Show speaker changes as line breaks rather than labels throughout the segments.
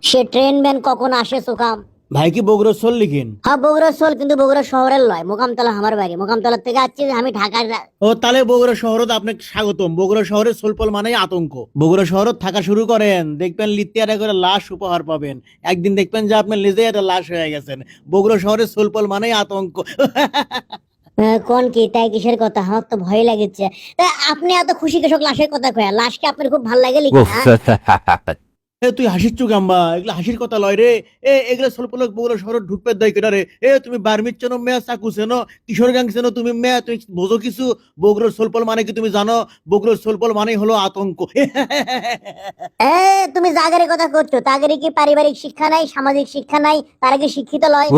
সে train ban কখন আসে সুকাম?
ভাই কি বগুড়ার সোল লিখেন?
হ্যাঁ বগুড়া সোল, কিন্তু বগুড়া শহরের লয়, মোকামতলা আমার বাড়ি। মোকামতলা থেকে আসছি, আমি ঢাকার।
ও তাহলে বগুড়া শহরত আপনাকে স্বাগতম। বগুড়া শহরের সোলপল মানেই আতঙ্ক। বগুড়া শহরত থাকা শুরু করেন, দেখবেন লিতিয়ারে করে লাশ উপহার পাবেন। একদিন দেখবেন যে আপনি নিজেই একটা লাশ হয়ে গেছেন। বগুড়া শহরের সোলপল মানেই আতঙ্ক।
কোন কি তাই কিসের কথা? আমার তো ভয় লাগছে। তা আপনি এত খুশি কৃষক লাশের কথা কয়া, লাশকে আপনার খুব ভালো লাগে লিখে?
উফ,
এ তুই হাসির চুক আম্বা, এগুলা হাসির কথা লয় রে। এগুলা সোলপল বগুড়া শহর ঢুকবে দেয় কেটা রে? তুমি বার্মির চেনো, মেয়া চাকু চেনো, কিশোর গাং চেনো, তুমি মেয়া তুমি বোঝো কিছু? বগুড়ার সোলপল মানে কি তুমি জানো? বগুড়ার সোলপল মানেই হলো আতঙ্ক।
এ তুমি জাগারের কথা করছো, তাগের কি পারিবারিক শিক্ষা নাই, সামাজিক শিক্ষা নাই? তারা কি শিক্ষিত লয়?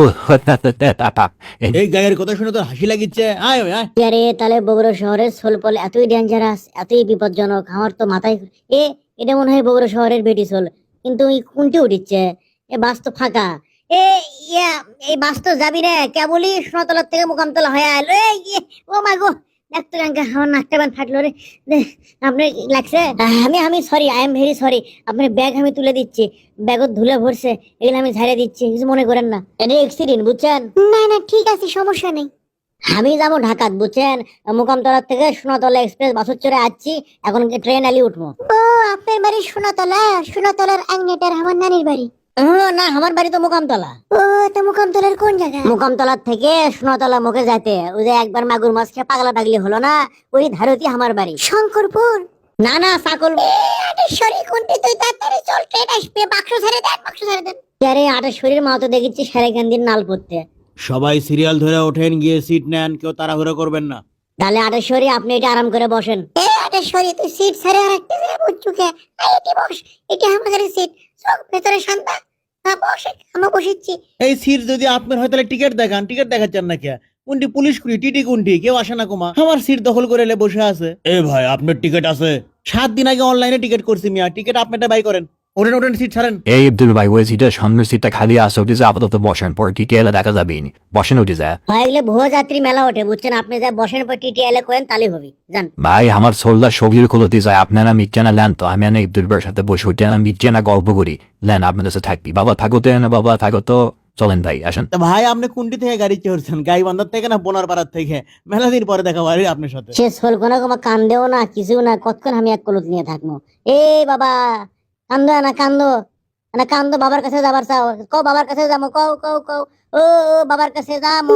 এই গায়ের কথা শুনে তো হাসি লাগিচ্ছে। আয় আয়।
আরে তাহলে বগুড়া শহরের সোলপল এতই ডেঞ্জারাস, এতই বিপজ্জনক? আমার তো মাথায় এ এটা মনে হয় বগুড়া শহরের বেটি সোল, কিন্তু এই কোনটি উঠিচ্ছে? এ বাস তো ফাঁকা। এ ইয়া, এই বাস তো যাবি রে কেবলই সোনাতলার থেকে মোকামতলা হয়ে আলো। ও মা গো, দেখতো গাঙ্গা আমার নাকটা বান ফাটলো রে। আপনার লাগছে? আমি sorry, I am very sorry. আপনার ব্যাগ আমি তুলে দিচ্ছি, ব্যাগত ধুলে ভরছে, এগুলো আমি ঝাড়ে দিচ্ছি, কিছু মনে করেন না। এটা অ্যাক্সিডেন্ট, বুঝছেন? না না ঠিক আছে, সমস্যা নেই। আমি যাবো ঢাকাত, বুঝছেন? মোকামতলা থেকে সোনাতলা এক্সপ্রেস বাসত চড়ে আসছি, এখন ট্রেন আলি উঠবো। ও আপনার বাড়ি সোনাতলা? সোনাতলার আংনেটার আমার নানির বাড়ি। না, আমার বাড়ি তো মোকামতলা। ও তো মোকামতলার কোন জায়গা? মোকামতলার থেকে সোনাতলা মুখে যাইতে ওই যে একবার মাগুর মাছ খেয়ে পাগলা পাগলি হলো না, ওই ধারতি আমার বাড়ি। শঙ্করপুর? না না, সাকল। আটেশ্বরী কোনটি? তুই তাড়াতাড়ি চল, ট্রেন আসবে। বাক্স ছেড়ে দেন, বাক্স ছেড়ে দেন। আরে আটেশ্বরীর মা তো দেখেছি সারেকান্দির নাল পড়তে।
সবাই সিরিয়াল ধরে ওঠেন, গিয়ে সিট নেন, কেউ তাড়াহুড়ো করবেন না।
তাহলে আটেশ্বরী আপনি এটা আরাম করে বসেন। এ আটেশ্বরী, তুই সিট ছেড়ে আর একটা জায়গায় বসছুকে? এটি বস, এটি আমাদের সিট। চোখ ভেতরে শান্তা। হ্যাঁ বসে, আমরা বসেছি।
এই সিট যদি আপনার হয় তাহলে টিকিট দেখান। টিকিট দেখাচ্ছেন না কে? কোনটি পুলিশ কুড়ি, টিটি কোনটি? কেউ আসে না কুমা, আমার সিট দখল করে এলে বসে আছে। এ ভাই, আপনার টিকিট আছে? 7 দিন আগে অনলাইনে টিকিট করছি মিয়া। টিকিট আপনারটা বাই করেন। ওঠেন ওঠেন, সিট ছাড়েন।
এই আব্দুল ভাই, ওই সিটের সামনের সিটটা খালি আছে, ওটি যে আপাতত বসেন, পরে ডিটেলে দেখা যাবে। বসেন ওটি যায়।
হয় এগুলো ভুয়ো যাত্রী মেলা ওঠে, বুঝছেন? আপনি যা বসেন পর টিটিএলে কোয়েন তাহলে হবি, জান।
ভাই আমার সোলদা সবজির খুলতে যায়, আপনারা মিটছে লেন তো। আমি ইব্দুল ভাইয়ের সাথে বসে উঠে মিটছে গল্প করি। লেন আপনাদের সাথে থাকবি। বাবা থাকোতে না, বাবা থাকো তো। চলেন ভাই, আসেন।
তা ভাই, আপনি কোনটি থেকে গাড়ি চড়ছেন? গাইবান্ধার থেকে না বোনার পাড়ার থেকে? মেলা দিন পরে দেখা ভাই আপনার সাথে।
সে সোল কোনা কমা কান্দেও না, কিছু না, কতক্ষণ আমি এক কলুত নিয়ে থাকবো? এ বাবা, কান্দো না, কান্দো না, কান্দো। বাবার কাছে যাবার চাও, কও বাবার কাছে যাবো, কও কও কও। ও ও, বাবার কাছে যাবো।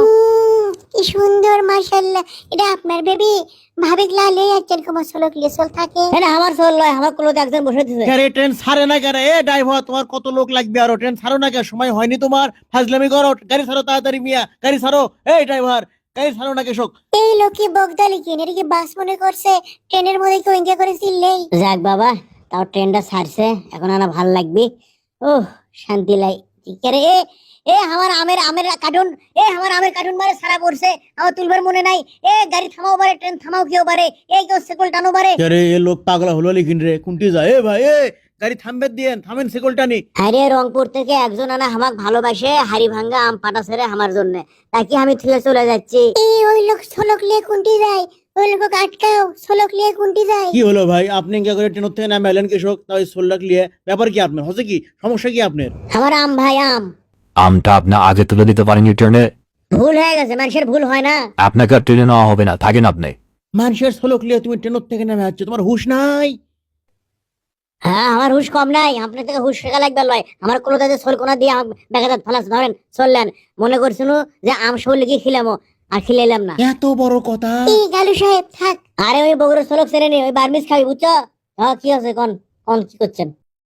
কি সুন্দর, মাশাআল্লাহ। এটা আপনার বেবি? ভাবি লালে যাচ্ছেন, তোমার সোলক লিয়ে সোল থাকে? এটা আমার সোল লয়, আমার কলুতে একজন বসে দিছে।
আরে ট্রেন ছাড়ে না কেন? এ ড্রাইভার, তোমার কত লোক লাগবে আরো? ট্রেন ছাড়ো না কেন? সময় হয়নি তোমার? ফাজলামি করো, গাড়ি ছাড়ো তাড়াতাড়ি মিয়া, গাড়ি ছাড়ো। এই ড্রাইভার, গাড়ি ছাড়ো না কেশক।
এই লোকে বগদালি কিনে এটা কি বাস মনে করছে? ট্রেনের মধ্যে কেউ এনজয় করে চিল্লেই। যাক বাবা, তাও ট্রেনটা ছাড়ছে, এখন আনা ভাল লাগবে। ওহ, শান্তি লাই। ঠিক আছে। এ এ আমার আমের আমের কার্টুন, আমার আমের কার্টুন মারে সারা পড়ছে, আমার তুলবার মনে নাই। গাড়ি থামাও বারে, ট্রেন থামাও কেউ বারে, কেউ সেকল টানো বারে।
আরে এ লোক পাগলা হলো লিখিন রে, কোনটি যায়? এ ভাই, গাড়ি থামবে দিয়েন, থামেন, সেকল টানি।
আরে রংপুর থেকে একজন আনা হামাক ভালোবাসে, হাড়ি ভাঙ্গা আম পাটা ছেড়ে আমার জন্য, তাকে আমি থুয়ে চলে যাচ্ছি। ওই লোক সোলক লিয়ে কোনটি যায়? ওই লোক আটকাও, সোলক লিয়ে কোনটি যায়?
কি হলো ভাই, আপনি কি করে ট্রেন থেকে নামে এলেন কৃষক? তাই 16 লাখ লিয়ে ব্যাপার কি আপনার? হচ্ছে কি সমস্যা কি আপনার?
আমার আম ভাই, আম।
আমটা আপনি আগে তুলে দিতে পারেন ট্রেনে।
ভুল হয়ে গেছে, মানুষের ভুল হয় না।
আপনাকে আর ট্রেনে নেওয়া হবে না, থাকেন আপনি।
মানুষের 16 লিয়ে তুমি ট্রেন থেকে নামে যাচ্ছ, তোমার হুঁশ নাই?
হ্যাঁ, আমার হুশ কম নাই, আপনার থেকে হুশ শেখা লাগবে লয়। আমার কলতাতে সোল কোনা দিয়ে বেগাদাত ফালাস ধরেন চললেন, মনে করছিল যে আম সোল লিখে খিলামো, আর খিলাইলাম না।
এত বড় কথা?
এই গালু সাহেব থাক। আরে ওই বগুড়ার সোলক ছেড়ে নি, ওই বার্মিস খাবি, বুঝছো? হ্যাঁ কি আছে, কোন কোন কি করছেন?